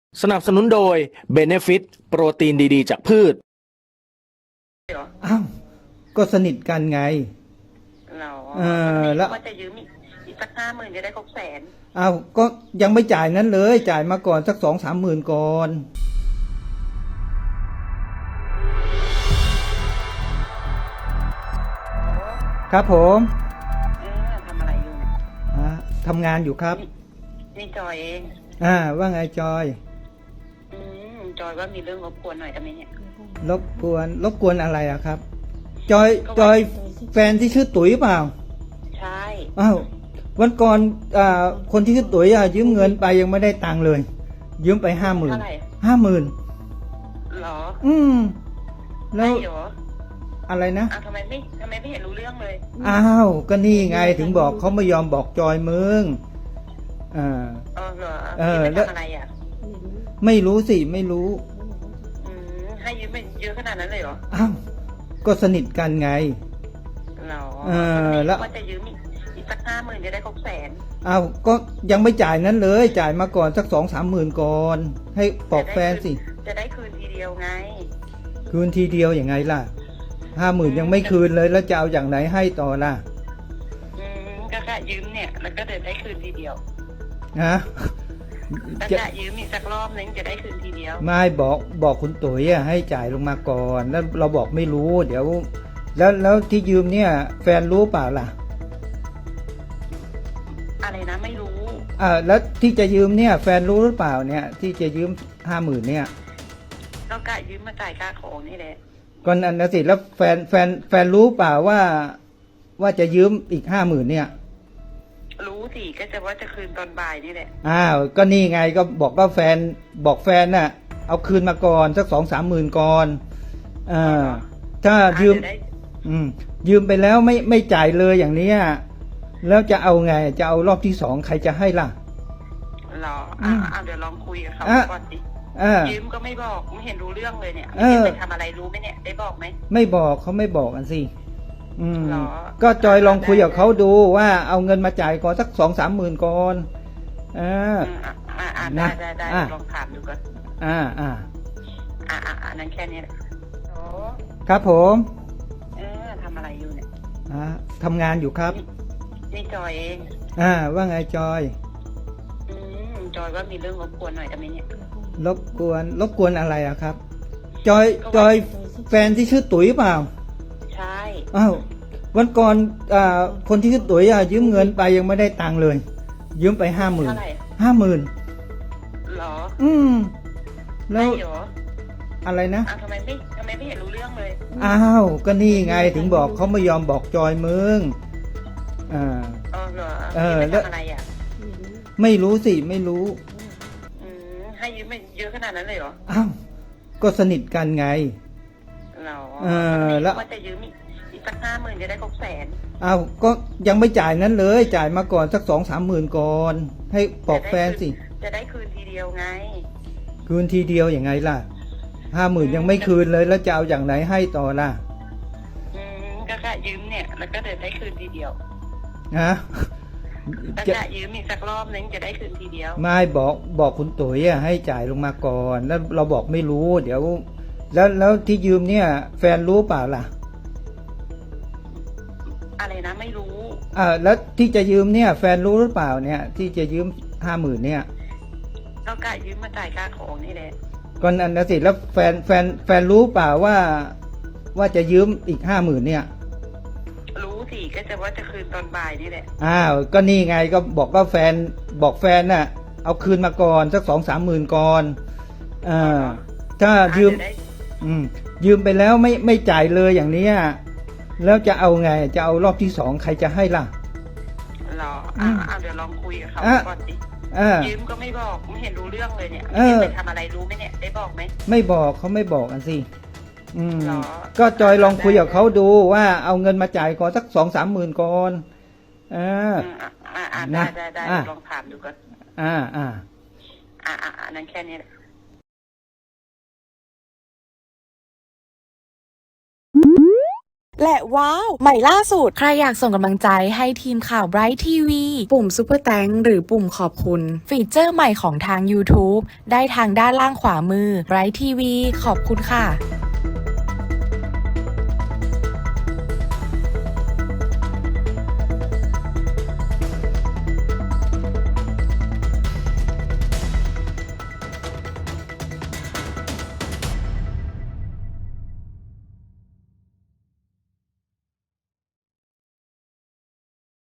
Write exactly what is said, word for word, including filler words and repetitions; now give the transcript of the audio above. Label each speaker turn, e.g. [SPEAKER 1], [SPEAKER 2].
[SPEAKER 1] สนับสนุนโดย Benefit โปรตีนดีๆจากพืช
[SPEAKER 2] อ้าวก็สนิทกันไง
[SPEAKER 3] เรา
[SPEAKER 2] เออแล้ว
[SPEAKER 3] ว่าจะยืมอีกอีกสักห้าหมื่นจะได้ครบแสน
[SPEAKER 2] อ้าวก็ยังไม่จ่ายนั้นเลยจ่ายมาก่อนสักสองสามหมื่นก่อนครับผม
[SPEAKER 3] เออทำอะไรอยู่เนี่ย
[SPEAKER 2] อ่าทำงานอยู่ครับ
[SPEAKER 3] นี่นี่จอยเอง
[SPEAKER 2] อ่าว่าไงจอย
[SPEAKER 3] อืมจอยว่ามีเรื่องรบกวนหน่อยได้ไหมเนี่ย
[SPEAKER 2] รบกวนรบกวนอะไรอะครับ จอยจอยแฟนที่ชื่อตุ๋ยเปล่า
[SPEAKER 3] ใช่
[SPEAKER 2] อ้าววันก่อนอ่าคนที่ชื่อตุ๋ยอะยืมเงินไปยังไม่ได้ตังค์เลย ยืมไปห้าหมื่น
[SPEAKER 3] เท่าไหร่
[SPEAKER 2] ห้าหมื่น
[SPEAKER 3] หรอ
[SPEAKER 2] อืมแล้ว
[SPEAKER 3] ไม่เหรอ
[SPEAKER 2] อะไรนะ
[SPEAKER 3] อ้าวทำไมไม่ทำไมไม่เห็นรู้เรื่องเลย
[SPEAKER 2] อ้าวก็นี่ไงถึงบอกเขาไม่ยอมบอกจอยมึงอ่า
[SPEAKER 3] เออเหรอ
[SPEAKER 2] เออ
[SPEAKER 3] แล้วทำอะไรอ่ะ
[SPEAKER 2] ไม่รู้สิไม่รู้
[SPEAKER 3] อืมให้ยืมไปเยอะขนาดนั้นเลยเหรอ
[SPEAKER 2] อ้าวก็สนิทกันไง
[SPEAKER 3] เรา
[SPEAKER 2] เออแล้ว
[SPEAKER 3] ว่าจะยืมอีกอีกสักห้าหมื่นจะได้ครบแสน
[SPEAKER 2] อ้าวก็ยังไม่จ่ายนั้นเลยจ่ายมาก่อนสักสองสามหมื่นก่อนให้บอกแฟนสิ
[SPEAKER 3] จะได้คืนทีเดียวไง
[SPEAKER 2] คืนทีเดียวอย่างไงล่ะห้าหมื่นยังไม่คืนเลยแล้วจะเอาอย่างไหนให้ต่อล่ะ
[SPEAKER 3] อืมก็กะยืมเนี่ยแล้วก็เดินได้คืนทีเดียว
[SPEAKER 2] ฮะ
[SPEAKER 3] ก็กะยืมอีกสักรอบนึงจะได้คืนทีเดียว
[SPEAKER 2] ไม่บอกบอกคุณตุ๋ยให้จ่ายลงมาก่อนแล้วเราบอกไม่รู้เดี๋ยวแล้วแล้วที่ยืมเนี่ยแฟนรู้เปล่าล่ะ
[SPEAKER 3] อะไรนะไม่รู้
[SPEAKER 2] อ่าแล้วที่จะยืมเนี่ยแฟนรู้หรือเปล่าเนี่ยที่จะยืมห้าหมื่นเนี่ย
[SPEAKER 3] ก็กะยืมมาจ่ายค่าของนี่แหละ
[SPEAKER 2] ก่อนอันนั้นสิแล้วแฟนแฟนแฟนรู้เปล่าว่าว่าจะยืมอีกห้าหมื่นเนี่ย
[SPEAKER 3] รู้สิก็จะว่าจะคืนตอนบ่ายนี่แหละ
[SPEAKER 2] อ้าวก็นี่ไงก็บอกว่าแฟนบอกแฟนน่ะเอาคืนมาก่อนสักสองสามหมื่นก่อนอ่าถ้ายืมอืมยืมไปแล้วไม่ไม่จ่ายเลยอย่างเนี้ยแล้วจะเอาไงจะเอารอบที่สองใครจะให้ล่ะ
[SPEAKER 3] หรออ่าเดี๋ยวลองคุยกับเขาก่อนดิยืมก็ไม่บอกไม่เห็นรู้เรื่องเลยเนี่ยไม่เห็นไปทำอะไรรู้ไหมเนี่ยได้บอกไหม
[SPEAKER 2] ไม่บอกเขาไม่บอกกันสิอืมก็จอยลองคุยกับเขาดูว่าเอาเงินมาจ่ายก่อนสักสองสามหมื่นก่อนอ่า
[SPEAKER 3] อ่าได้ได้ได้ลองถามดูก่อน
[SPEAKER 2] อ่าอ่า
[SPEAKER 3] อ่าอ่านั้นแค่นี้แหละโอ้
[SPEAKER 2] ครับผม
[SPEAKER 3] เออทำอะไรอยู่เนี่ย
[SPEAKER 2] อ่าทำงานอยู่ครับ
[SPEAKER 3] นี่จอยเอง
[SPEAKER 2] อ่าว่าไงจอย
[SPEAKER 3] อืมจอยว่ามีเรื่องรบกวนหน่อยได้ไหมเนี่ย
[SPEAKER 2] รบกวนรบกวนอะไรอะครับจอยจอยแฟนที่ชื่อตุ๋ยเปล่า
[SPEAKER 3] ใช่
[SPEAKER 2] อ้าววันก่อนอ่าคนที่ชื่อตุ๋ยอะยืมเงินไปยังไม่ได้ตังค์เลยยืมไปห้าหมื่นห้าหมื่น
[SPEAKER 3] หรอ
[SPEAKER 2] อืมแล้วอะไรนะ
[SPEAKER 3] อ้าวทำไมไม่ทำไมไม่เห็นรู้เรื่องเลย
[SPEAKER 2] อ้าวก็นี่ไงถึงบอกเขาไม่ยอมบอกจอยมึงอ่า
[SPEAKER 3] เออเหรอเออแล้วอะไรอ่ะ
[SPEAKER 2] ไม่รู้สิไม่รู้
[SPEAKER 3] อืมให้ยืมไปเยอะขนาดนั้นเลยเหรอ
[SPEAKER 2] อ้าวก็สนิทกันไง
[SPEAKER 3] เรา
[SPEAKER 2] เออแล้ว
[SPEAKER 3] ว่าจะยืมอีกอีกสักห้าหมื่นจะได้ครบแสน
[SPEAKER 2] อ้าวก็ยังไม่จ่ายนั้นเลยจ่ายมาก่อนสักสองสามหมื่นก่อนให้บอกแฟนสิ
[SPEAKER 3] จะได้คืนทีเดียวไง
[SPEAKER 2] คืนทีเดียวอย่างไงล่ะห้าหมื่นยังไม่คืนเลยแล้วจะเอาอย่างไหนให้ต่อล่ะ
[SPEAKER 3] อืมก็กะยืมเนี่ยแล้วก็เดินได้คืนทีเดียว
[SPEAKER 2] ฮะ
[SPEAKER 3] ก็กะยืมอีกสักรอบนึงจะได้คืนทีเดียว
[SPEAKER 2] ไม่บอกบอกคุณตุ๋ยให้จ่ายลงมาก่อนแล้วเราบอกไม่รู้เดี๋ยวแล้วแล้วที่ยืมเนี่ยแฟนรู้เปล่าล่ะ
[SPEAKER 3] อะไรนะไม่รู้
[SPEAKER 2] อ่าแล้วที่จะยืมเนี่ยแฟนรู้หรือเปล่าเนี่ยที่จะยืมห้าหมื่นเนี่ย
[SPEAKER 3] ก็กะยืมมาจ่ายค่าของนี่แหละ
[SPEAKER 2] ก่อนอันนั้นสิแล้วแฟนแฟนแฟนรู้เปล่าว่าว่าจะยืมอีกห้าหมื่นเนี่ย
[SPEAKER 3] รู้สิก็จะว่าจะคืนตอนบ่ายนี่แหละ
[SPEAKER 2] อ้าวก็นี่ไงก็บอกว่าแฟนบอกแฟนน่ะเอาคืนมาก่อนสักสองสามหมื่นก่อนอ่าถ้ายืมอืมยืมไปแล้วไม่ไม่จ่ายเลยอย่างเนี้ยแล้วจะเอาไงจะเอารอบที่สองใครจะให้ล่ะ
[SPEAKER 3] รออ่าเดี๋ยวลองคุยกับเขาก่อนดิยืมก็ไม่บอกไม่เห็นรู้เรื่องเลยเนี่ยไม่เห็นไปทำอะไรรู้ไหมเนี่ยได้บอกไหม
[SPEAKER 2] ไม่บอกเขาไม่บอกกันสิอืมก็จอยลองคุยกับเขาดูว่าเอาเงินมาจ่ายก่อนสักสองสามหมื่นก่อนอ่า
[SPEAKER 3] อ่าได้ได้ได้ลองถามดูก่อน
[SPEAKER 2] อ่าอ่า
[SPEAKER 3] อ่าอ่านั้นแค่นี้แหละ
[SPEAKER 4] และว้าว ใหม่ล่าสุด ใครอยากส่งกำลังใจให้ทีมข่าว Bright ที วี ปุ่ม Super Thanks หรือปุ่มขอบคุณ ฟีเจอร์ใหม่ของทาง YouTube ได้ทางด้านล่างขวามือ Bright ที วี ขอบคุณค่ะ